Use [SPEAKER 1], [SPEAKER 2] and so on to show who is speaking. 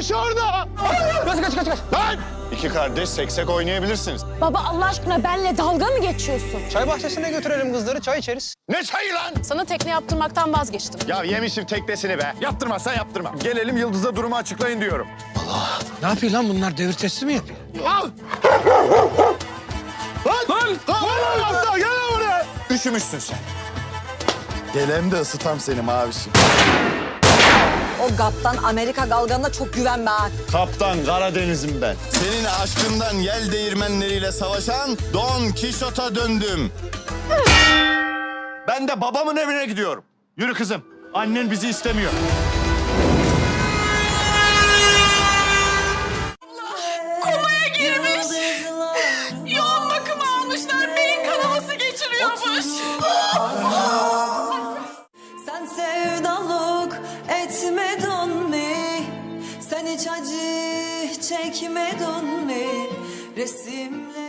[SPEAKER 1] başı orada. Kaç. Lan! İki kardeş seksek oynayabilirsiniz.
[SPEAKER 2] Baba Allah aşkına benle dalga mı geçiyorsun?
[SPEAKER 3] Çay bahçesine götürelim kızları, çay içeriz.
[SPEAKER 1] Ne çayı lan?
[SPEAKER 2] Sana tekne yaptırmaktan vazgeçtim.
[SPEAKER 1] Ya yemişim teknesini be. Yaptırmazsan yaptırma. Gelelim Yıldız'a durumu açıklayın diyorum.
[SPEAKER 3] Ne yapıyor lan bunlar? Devir testi mi yapıyor?
[SPEAKER 1] Al! Lan! Lan! Gel buraya! Üşümüşsün sen. Gelem de ısıtam seni mavişim.
[SPEAKER 4] O GAP'tan Amerika galganına çok güvenme ha.
[SPEAKER 1] Kaptan Karadeniz'im ben. Senin aşkından yel değirmenleriyle savaşan Don Kişot'a döndüm. Ben de babamın evine gidiyorum. Yürü kızım. Annen bizi istemiyor.
[SPEAKER 5] Komaya girmiş. Yoğun bakım almışlar. Beyin kanaması geçiriyormuş.
[SPEAKER 6] Sen sevdalık etmedin mi? Sen hiç acı çekmedin mi? Resimler